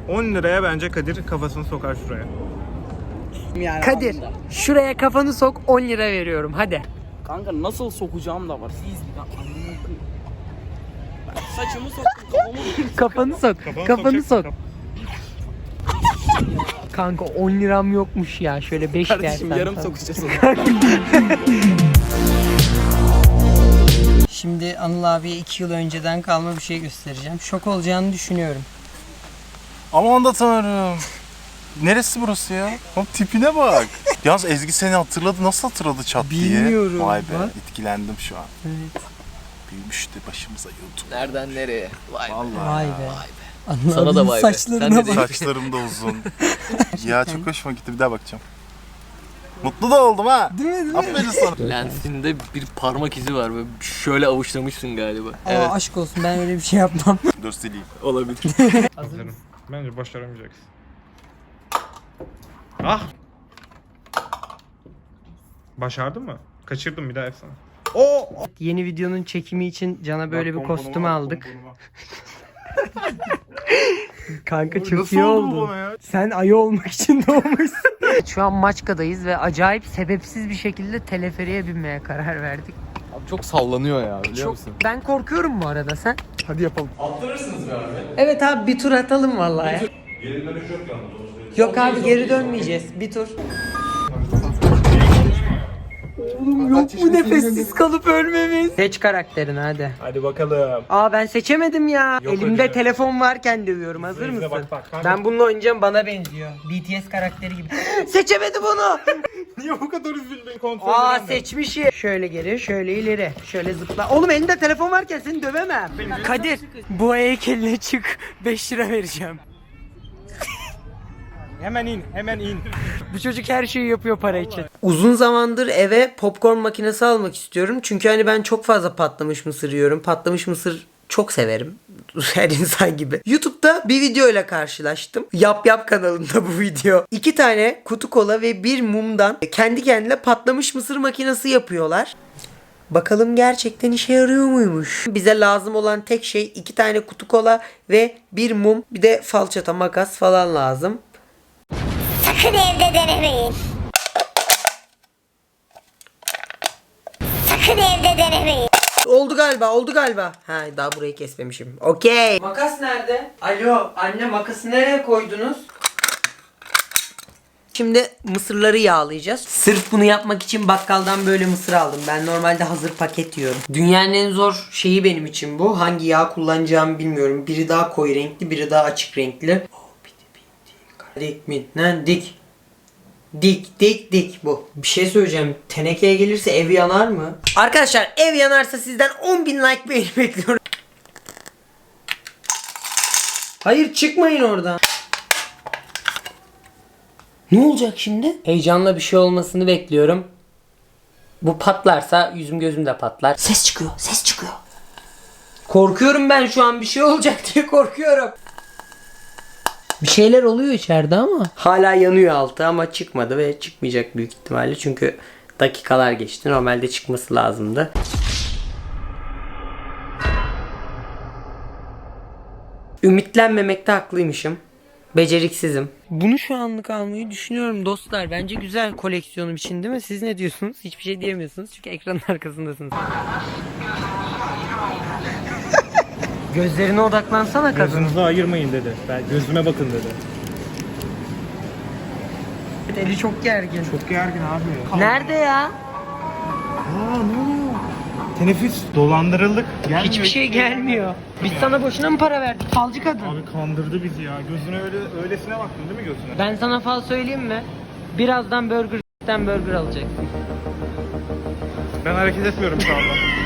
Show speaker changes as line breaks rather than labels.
10 liraya bence Kadir kafasını sokar şuraya.
Yani
Kadir
anında.
şuraya kafanı sok, 10 lira veriyorum hadi.
Kanka nasıl sokacağım da var. Siz saçımı soktum kafamı.
Kafanı sok. Kafanı sok. Kanka 10 liram yokmuş ya. Şöyle 5
Kardeşim
dersen
yarım
sana.
sokacağız.
Şimdi Anıl abiye 2 yıl önceden kalma bir şey göstereceğim. Şok olacağını düşünüyorum.
Aman da tanrım. Neresi burası ya? Oğlum tipine bak. Yalnız Ezgi seni hatırladı. Nasıl hatırladı çat diye?
Bilmiyorum,
Vay be,
bak.
etkilendim şu an.
Evet.
Büyümüştü başımıza YouTube.
Nereden nereye? Vay be.
Vallahi
Vay
ya.
be. Anıl
Sana da
abinin
vay be. Sen
saçlarına
de
bak.
Saçlarım da uzun. Ya çok hoşuma gitti. Bir daha bakacağım. Mutlu da oldum ha.
Değil mi?
Aferin sana.
Lensinde bir parmak izi var. Böyle şöyle avuçlamışsın galiba.
Aa, aşk olsun, ben öyle bir şey yapmam.
Dur sileyim.
Olabilir.
Hazırım. Bence başaramayacaksın. Ah! Başardın mı? Kaçırdım, bir daha yapsana. Oo!
Yeni videonun çekimi için Can'a böyle bir kostüm aldık. Kanka çok
Nasıl
iyi
oldu
oldu.
bana ya?
Sen ayı olmak için doğmuşsun. Şu an Maçka'dayız ve acayip sebepsiz bir şekilde teleferiğe binmeye karar verdik.
Abi çok sallanıyor ya biliyor musun?
Ben korkuyorum bu arada, sen?
Hadi yapalım.
Attırırsınız be abi.
Evet abi, bir tur atalım vallahi ya. Geri dönüş yok yalnız. Yok abi, geri dönmeyeceğiz. Bir tur. Oğlum yok mu nefessiz kalıp ölmemiz? Seç karakterini hadi.
Hadi bakalım.
Aa, ben seçemedim ya.
Yok
Elimde
öyle.
telefon varken dövüyorum. Hazır
İzle,
mısın?
bak, kanka.
Ben bununla oynayacağım, bana benziyor. BTS karakteri gibi. Seçemedim onu.
Niye bu kadar üzüldün kontrol
Aa,
edemem.
seçmişim. Şöyle geri, şöyle ileri. Şöyle zıpla. Oğlum elinde telefon varken seni dövemem. Kadir, bu heykeline çık. 5 lira vereceğim.
Hemen in, hemen in.
Bu çocuk her şeyi yapıyor para için. Uzun zamandır eve popcorn makinesi almak istiyorum. Çünkü hani ben çok fazla patlamış mısır yiyorum. Patlamış mısır çok severim. Her insan gibi. YouTube'da bir video ile karşılaştım. Yap Yap kanalında bu video. 2 tane kutu kola ve bir mumdan kendi kendine patlamış mısır makinesi yapıyorlar. Bakalım gerçekten işe yarıyor muymuş? Bize lazım olan tek şey 2 tane kutu kola ve bir mum. Bir de falçata, makas falan lazım.
Sakın evde denemeyin. Sakın evde denemeyin.
Oldu galiba, oldu galiba. Ha, daha burayı kesmemişim. Okey. Makas nerede? Alo, anne, makası nereye koydunuz? Şimdi mısırları yağlayacağız. Sırf bunu yapmak için bakkaldan böyle mısır aldım. Ben normalde hazır paket yiyorum. Dünyanın en zor şeyi benim için bu. Hangi yağ kullanacağımı bilmiyorum. Biri daha koyu renkli, biri daha açık renkli. Dik mi? Lan dik. Dik bu. Bir şey söyleyeceğim. Tenekeye gelirse ev yanar mı? Arkadaşlar, ev yanarsa sizden 10.000 like beğeni bekliyorum. Hayır, çıkmayın oradan. Ne olacak şimdi? Heyecanla bir şey olmasını bekliyorum. Bu patlarsa yüzüm gözüm de patlar. Ses çıkıyor, ses çıkıyor. Korkuyorum ben şu an, bir şey olacak diye korkuyorum. Bir şeyler oluyor içeride ama. Hala yanıyor altı ama çıkmadı ve çıkmayacak büyük ihtimalle. Çünkü dakikalar geçti. Normalde çıkması lazımdı. Ümitlenmemekte haklıymışım. Beceriksizim. Bunu şu anlık almayı düşünüyorum dostlar. Bence güzel koleksiyonum için, değil mi? Siz ne diyorsunuz? Hiçbir şey diyemiyorsunuz çünkü ekranın arkasındasınız. Gözlerine odaklansana kadın.
Gözünüzü ayırmayın dedi. Ben gözüme bakın dedi.
Eli çok gergin.
Çok gergin abi.
Nerede ya?
Aa, ne oluyor? Teneffüs. Dolandırıldık. Gelmiyor.
Hiçbir şey gelmiyor. Biz sana boşuna mı para verdik? Falcı kadın.
Abi kandırdı bizi ya. Gözüne öylesine baktın değil mi gözüne?
Ben sana fal söyleyeyim mi? Birazdan burger alacaksın.
Ben hareket etmiyorum şu anda.